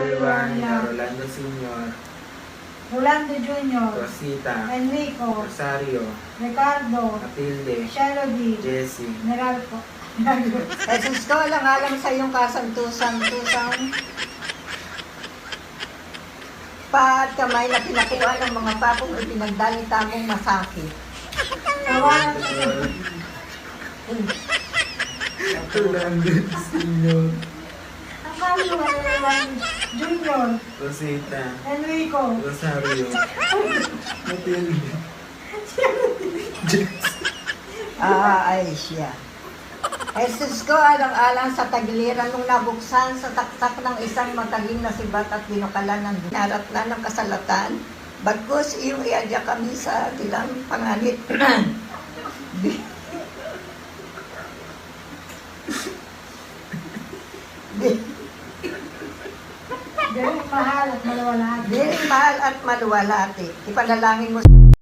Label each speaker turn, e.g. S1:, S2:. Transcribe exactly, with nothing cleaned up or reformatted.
S1: Ivania, Rolando Senior,
S2: Rolando Junior,
S1: Rosita,
S2: Enrico,
S1: Rosario,
S2: Ricardo,
S1: Matilde,
S2: Shelody,
S1: Jessie,
S2: Meralco.
S3: Jesus ko, alang-alang sa iyong kasantusan-tusang pa at kamay na pinakuha ng mga papong at pinagdalita mong masakit.
S2: Tawanan ko.
S1: Rolando Senior,
S2: Rolando Junior,
S1: Rosita,
S2: Enrico,
S1: Rosario, Matilde,
S3: Ah, ay siya. Jesus ko, alang-alang sa tagiliran nung nabuksan sa taktak ng isang mataling na sibat at binukalan ng narat na ng kasalatan. Bagkus iyong iadya kami sa dilang panganit. Di- Di-
S2: Dahil mahal at malawalagi.
S3: Dili mahal at maluwalati. Ipanalangin mo